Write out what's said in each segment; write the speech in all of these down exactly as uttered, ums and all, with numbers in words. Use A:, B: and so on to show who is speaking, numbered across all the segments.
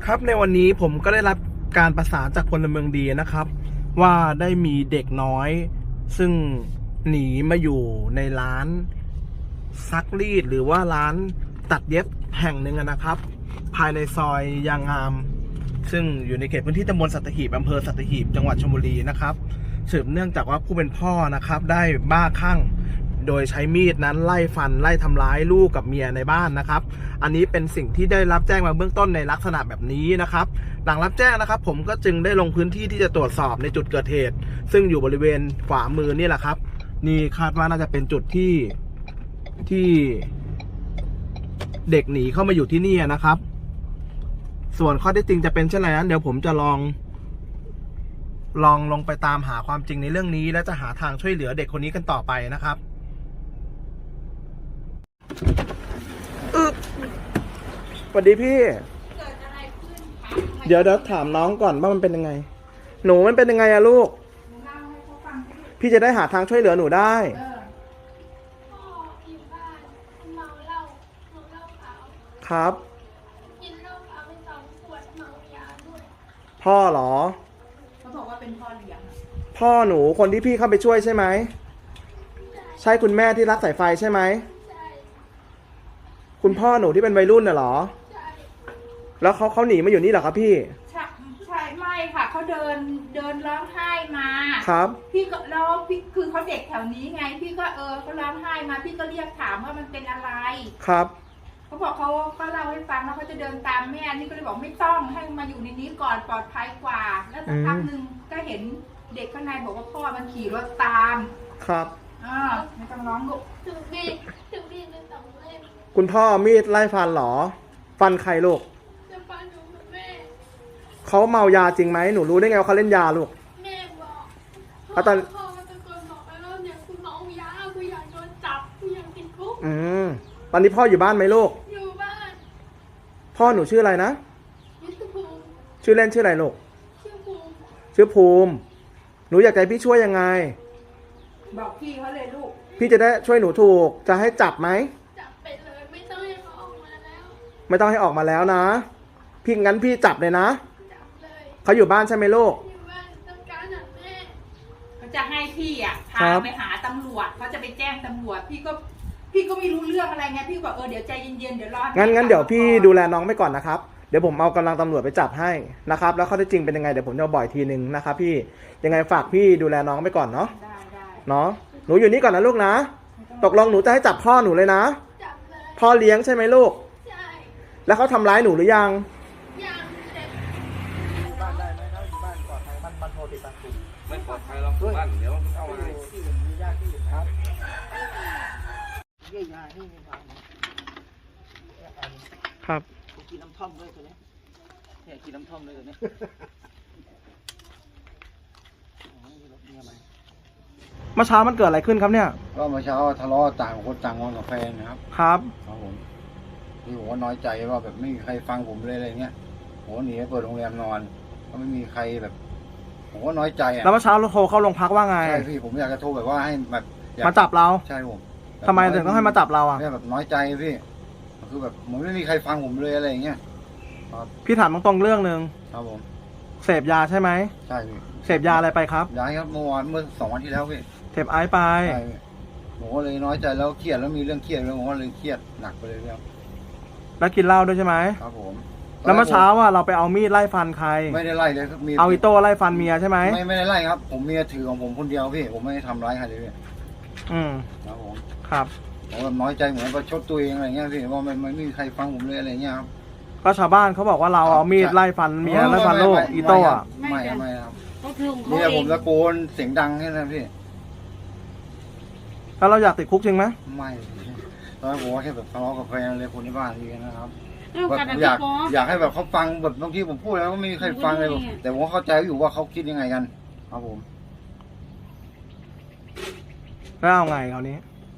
A: ครับในวันนี้ผมก็ได้รับการประสานจากพลเมืองดีนะครับว่าได้มีเด็กน้อยซึ่งหนีมาอยู่ในร้านซักรีดหรือว่าร้านตัดเย็บแห่งหนึ่งนะครับภายในซอยยางงามซึ่งอยู่ในเขตพื้นที่ตำบลสัตหีบอำเภอสัตหีบจังหวัดชลบุรีนะครับสืบเนื่องจากว่าผู้เป็นพ่อนะครับได้บ้าคลั่งโดยใช้มีดนั้นไล่ฟันไล่ทำร้ายลูกกับเมียในบ้านนะครับอันนี้เป็นสิ่งที่ได้รับแจ้งมาเบื้องต้นในลักษณะแบบนี้นะครับหลังรับแจ้งนะครับผมก็จึงได้ลงพื้นที่ที่จะตรวจสอบในจุดเกิดเหตุซึ่งอยู่บริเวณขวามือนี่แหละครับนี่คาดว่าน่าจะเป็นจุดที่ที่เด็กหนีเข้ามาอยู่ที่นี่นะครับส่วนข้อเท็จจริงจะเป็นเช่นไรนั้นเดี๋ยวผมจะลองลองลงไปตามหาความจริงในเรื่องนี้และจะหาทางช่วยเหลือเด็กคนนี้กันต่อไปนะครับอึ๊บสวัสดีพี่เกิดอะไรขึ้นคะเดี๋ยวเดี๋ยวถามน้องก่อนว่ามันเป็นยังไงหนูมันเป็นยังไงอะลูกพี่จะได้หาทางช่วยเหลือหนูได้พ่ออยู่บ้านเมาเหล้าเมาเหล้าขาวครับกินเหล้าขาวไปสองขวดเมายาด้วยพ่อเหรอเขาบอกว่าเป็นพ่อเลี้ยงพ่อหนูคนที่พี่เข้าไปช่วยใช่ไหมใช่คุณแม่ที่รักสายไฟใช่ไหมคุณพ่อหนูที่เป็นวัยรุ่นน่ะเหรอใช่แล้วเขาเขาหนีมาอยู่นี่เหรอครับพี่ใช่ใช่ไม่ค่ะเขาเดินเดินร้องไห้มาครับพี่ก็แล้วพี่คือเขาเด็กแถวนี้ไงพี่ก็เออเขาร้องไห้มาพี่ก็เรียกถามว่ามันเป็นอะไรครับเขาบอกเขาก็เล่าให้ฟังแล้วเขาจะเดินตามแม่นี่ก็เลยบอกไม่ต้องให้มาอยู่ในนี้ก่อนปลอดภัยกว่าแล้วสักพักหนึ่งก็เห็นเด็กข้างในบอกว่าพ่อมันขี่รถตามครับอ่าไม่ต้องร้องลูกถึงมีถึงมีในสองเล่มคุณพ่อมีดไล่ฟันเหรอฟันใครลูกจะฟันหนูกับแม่เขาเมายาจริงไหมหนูรู้ได้ไงว่าเขาเล่นยาลูกแม่บอกพ่อตอนพ่อตะโกนบอกไปว่าเนี่ยคุณเมายาคุณอยากโดนจับคุณอยากติดคุกอืมตอนนี้พ่ออยู่บ้านไหมลูกอยู่บ้านพ่อหนูชื่ออะไรนะชื่อภูมิชื่อเล่นชื่ออะไรลูกชื่อภูมิชื่อภูมิหนูอยากให้พี่ช่วยยังไงบอกพี่เขาเลยลูกพี่จะได้ช่วยหนูถูกจะให้จับไหมจับไปเลยไม่ต้องให้เขาออกมาแล้วไม่ต้องให้ออกมาแล้วนะพี่งั้นพี่จับเลยนะจับเลยเขาอยู่บ้านใช่ไหมลูกอยู่บ้านต้องการหาแม่เขาจะให้พี่อ่ะพาไปหาตำรวจเขาจะไปแจ้งตำรวจพี่ก็พี่ก็ไม่รู้เรื่องอะไรไงพี่บอกเออเดี๋ยวใจเย็นๆเดี๋ยวรองั้นงั้นเดี๋ยวพี่ดูแลน้องไปก่อนนะครับเดี๋ยวผมเอากำลังตำรวจไปจับให้นะครับแล้วข้อเท็จจริงเป็นยังไงเดี๋ยวผมจะบ่อยทีนึงนะครับพี่ยังไงฝากพี่ดูแลน้องไปก่อนเนาะได้ได้เนาะหนูอยู่นี่ก่อนนะลูกนะตกลงหนูจะให้จับพ่อหนูเลยนะจับเลยพ่อเลี้ยงใช่ไหมลูกใช่แล้วเขาทำร้ายหนูหรือยังยังแต่บ้านได้ไหมเขาอยู่บ้านปลอดภัยบ้านบ้านโทรติดตามคุณไม่ปลอดภัยหรอกบ้านเดี๋ยวเอามาที่อื่นมีญาติที่อื่นครับเยี่ยยานี่มีความครับกินน้ำท่อมด้วยตัวนี้เนี่ยกินน้ำท่อมด้วยตัวนี้เมื่อเช้ามันเกิดอะไรขึ้นครับเนี่ยก็เมื่อเช้าทะเลาะต่างคนต่างงอนกับแฟนนะครับครับครับผมที่ผมว่าน้อยใจว่าแบบไม่มีใครฟังผมเลยอะไรเงี้ยผมหนีไปเปิดโรงแรมนอนก็ไม่มีใครแบบผมว่าน้อยใจอ่ะแล้วเมื่อเช้าเราโทรเข้าโรงพักว่าไงใช่พี่ผมอยากจะโทรแบบว่าให้แบบมาจับเราใช่ผมทำไมถึงต้องให้มาจับเราอ่ะเนี่ยแบบน้อยใจพี่คือแบบผมไม่มีใครฟังผมเลยอะไรอย่างเงี้ยพี่ถามตรงๆเรื่องหนึ่งครับผมเสพยาใช่ไหมใช่พี่เสพยาอะไรไปครับยาครับเมื่อวานเมื่อสองวันที่แล้วพี่เสพไอซ์ไปใช่ผมก็เลยน้อยใจแล้วเครียดแล้วมีเรื่องเครียดแล้วผมก็เลยเครียดหนักไปเลยครับแล้วกินเหล้าด้วยใช่ไหมครับผมแล้วเมื่อเช้าว่าเราไปเอามีดไล่ฟันใครไม่ได้ไล่เลยครับมีเอาอิโต้ไล่ฟันเมียใช่ไหมไม่ไม่ได้ไล่ครับผมเมียถือของผมคนเดียวพี่ผมไม่ได้ทำร้ายใครเลยพี่อืมครับผมครับผมแบบน้อยใจเหมือนประชดตัวเองอะไรเงี้ยพี่ว่าไม่ไม่มีใครฟังผมเลยอะไรเงี้ยครับก็ชาวบ้านเขาบอกว่าเราเอามีดไล่ฟันเมียไล่ฟันลูกอีโต้อะไม่ไม่ครับนี่ผมตะโกนเสียงดังแค่นั้นพี่แล้วเราอยากติดคุกจริงไหมไม่ตอนแรกผมว่าแค่แบบทะเลาะกับแฟนเลยคนที่บ้านนี่นะครับแบบอยากอยากให้แบบเขาฟังแบบบางทีผมพูดแล้วก็ไม่มีใครฟังเลยแต่ผมเข้าใจอยู่ว่าเขาคิดยังไงกันครับผมแล้วเอาไงคราวนี้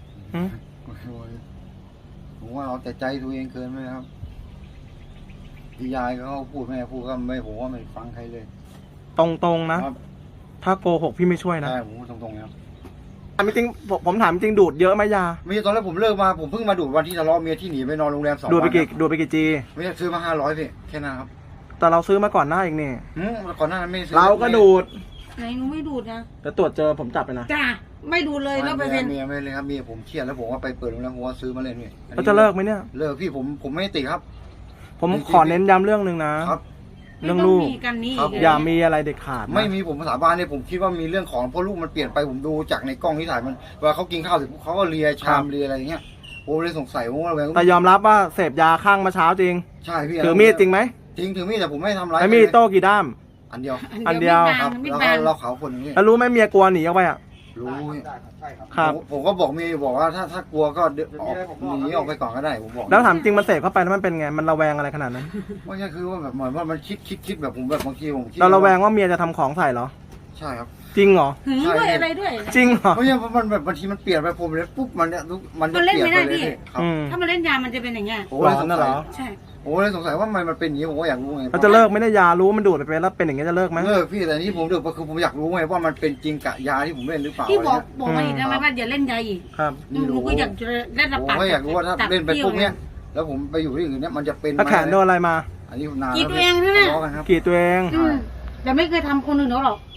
A: ผมว่าเราแต่ใจตัวเองเกินไหมครับพี่ยายเขาพูดแม่พูดก็ไม่ผมว่าไม่ฟังใครเลยตรงๆนะถ้าโกหกพี่ไม่ช่วยนะใช่ผมตรงๆครับถามจริงผมถามจริงดูดเยอะไหมยาไม่ใช่ตอนแรกผมเลิกมาผมเพิ่งมาดูดวันที่ทะเลาะเมียที่หนีไปนอนโรงแรมสองวันดูดไปกี่ดูดไปกี่จีไม่ได้ซื้อมาห้าร้อยพี่แค่นั้นครับ
B: แต่เราซื้อมาก่อนหน้าเองนี่
C: อืมก่อนหน้านั้นไม่ซื้อ
B: เราก็ดูด
D: ไหนหนูไม่ดูดนะ
B: แต่ตรวจเจอผมจับไปนะ
D: จ้าไม่ดูดเลยร้อยเปอร์เซ็นต์
C: เมียไม่เลยครับเมียผมเครียดแล้วผมว่าไปเปิดโรงแรมผมว่าซื้อมาเล่นพี่
B: เราจะเลิกไหมเนี่ย
C: เลิกพี่ผมผมไม่ติดครับ
B: ผมขอเน้นย้ำเรื่องหนึ่งนะครับ เรื่องลูก
D: ไม่ต้มีกันนี่
C: ครับ
B: อย่ามีอะไรเด็ดขาดนะ
C: ไม่มีผมสาบานเนี่ยผมคิดว่ามีเรื่องของเพราะลูกมันเปลี่ยนไปผมดูจากในกล้องที่ถ่ายมันเวลาเขากินข้าวเสร็จปุ๊บเขาก็เลียชามเลียอะไรอย่างเงี้ยผมเลยสงสัยว่าระแวง
B: แต่ยอมรับว่าเสพยาข้างมาเช้าจริง
C: ใช่พี่
B: ถือมีดจริงไหม
C: จริงถือมีดแต่ผมไม่ทำร้าย
B: ไอ้มีดโต้กี่ด้าม
C: อันเดียว
B: อันเดียว
C: ครับ
D: ไม่
C: แล้ว
D: บา
C: ก็
D: ง
C: เราขาวคนหนึงพี่
B: แล้วรู้ไหมเมียกลัวหนีออกไปอ่ะ
C: รู้พี่
B: ครับ
C: ผมผมก็บอกเมียบอกว่าถ้าถ้ากลัวก็เดินออกหนีออกไปก่อนก็ได้ผมบอก
B: แล้วถามจริงมันเสพเข้าไปแล้วมันเป็นไงมันระแวงอะไรขนาดนั้น
C: ไม่ใช่คือว่าแบบเหมือนว่ามันคิดคิดคิดแบบผมแบบบางทีผมคิด
B: เราระแวงว่าเมียจะทำของใส่เหรอ
C: ใช่ครับ
B: จริงเหรอ
D: หึงด้วยอะไรด้วย
B: จริงเหรอ
C: เพราะเนี่ยมันแบบบางทีมันเปลี่ยนไปผมเลยปุ๊บมันเนี่ยมันจะ
D: มันเล่น
C: เปลี่ยน
D: ไม่
C: ไป
D: ได้
C: เลย
D: พี่
C: พี่ครับ
B: อืม
D: ถ้ามันเล่นยามันจะเป็นอย่างเงี้ย
C: ผมเลยสง
B: ร้อนน่ะเหร
C: สัย
B: อ
D: ใช่
C: ผมเลยสงสัยว่ามันมันเป็นอย่างนี้ผมก็อยากรู้ไง
B: เราจะเลิกไม่ได้ยารู้มันดูดไปเป็นแล้วเป็นอย่างเงี้ยจะเลิกไหม
C: เลิกพี่แต่นี่ผมเดือดคือผมอยากรู้ไงว่ามันเป็นจริงกะยาที่ผมเล่นหรือเปล่า
D: พี่บอก
C: ะไรเงี้ย
D: บอกมาอีกได้ไหมว่าอย่าเล่นยาอีก
B: ครับ
D: หนูก็อยากจะเล่นระ
C: ผม
D: ปาก
C: ก็อยากรู้ว่าถ้า
D: ตับ
C: เล่นไปปุ๊บเนี้ย
D: ปรี้
C: แล้วผมไปอยู่ที่อื่นเนี้ยมันจะเป็น
B: ถ้าแขนโดนอะไรมา
C: อันนี้นาน
D: กรีด
C: แล้ว
D: ตัวเองใช่ไหม
C: ทะเลาะกันครับ
B: กรีดตัวเอง
D: อืมแต่ไม่เคยทำคนอื่นเขาหรอก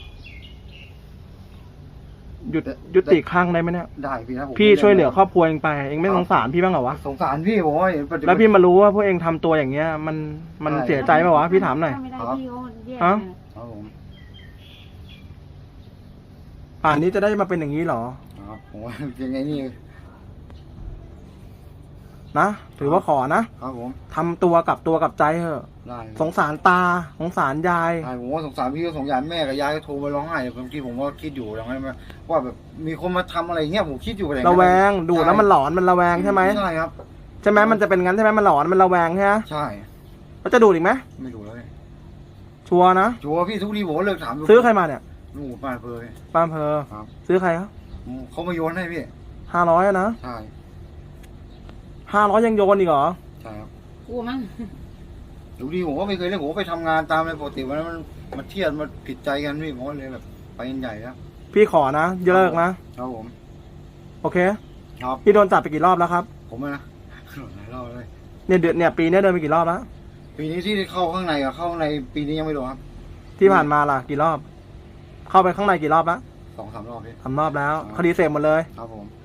B: หยุดยุติข้างได้ไหมเนี่ย
C: ได้พี่นะผม
B: พี่ช่วยเหลือครอบครัวเองไปเองไม่สงสารพี่บ้างเหรอวะ
C: สงสารพี่ผมว่าเห็นปัจจุบัน
B: แล้วพี่มารู้ว่าพวกเองทำตัวอย่างเงี้ย มันมัน
C: ใช่
B: เสียใจไหมวะพี่ถามหน่อย
D: ไม่ได้
C: ครับ
D: พี่เขาแย่
B: ฮะ
C: ครับผม
B: ป่านนี้จะได้มาเป็นอย่างนี้เหรอ
C: ครับผมว่ายังไงนี่
B: นะถือว่าขอนะครับ
C: ผม
B: ทำตัวกับตัวกับใจเถอะ
C: ได้
B: สงสารตาสงสารยาย
C: ใช่ผมว่าสงสารพี่ก็สงสารแม่กับยายก็โทรมาร้องไห้บางทีผมก็คิดอยู่อย่างนั้นว่าแบบมีคนมาทำอะไรเงี้ยผมคิดอยู่อะไร
B: ระแวงดูดแล้วมันหลอนมันระแวงใช่ไหม
C: ใช่ครับ
B: ใช่ไหมมันจะเป็นงั้นใช่ไหมมันหลอนมันระแวงใช่ไหม
C: ใช่
B: แล้วจะดูดอีกไหม
C: ไม่รู้แล้วเนี่ย
B: ชัวร์นะ
C: ชัวร์พี่ทุกทีผมก็เลิกถาม
B: ซื้อใครมาเนี่ย
C: ลูกป้าเพล
B: ป้าอำเพอ
C: ครับ
B: ซื้อใครครับ
C: เขามาโยนให้พี่
B: ห้าร้อยนะ
C: ใช่
B: ห้าร้อยยังโยนอีกเหรอ
C: ใช่ครับ
D: กลัวมั้ง
C: ทุกทีผมก็ไม่เคยเล่นผมก็ไปทำงานตามในปกติวันนั้นมันมันเทียดมันผิดใจกันพี่ผมก็เลยแบบไปกันใหญ่แล้ว
B: พี่ขอนะอย่าเลิกนะครับ
C: ผม
B: โอเค
C: ครับ
B: พี่โดนจับไปกี่รอบแล้วครับ
C: ผมอะนะหลายรอบเลย
B: เนี่ยเดือนเนี่ยปีเนี้ยเดินไปกี่รอบแล้ว
C: ปีนี้ที่เข้าข้างในกับเข้าข้างในปีนี้ยังไม่โดนครับ
B: ที่ผ่านมาล่ะกี่รอบ เข้าไปข้างในกี่รอบแล้ว
C: สองสามรอบพี่
B: สามรอบแล้ว คดีเสพหมดเลย
C: ครับผม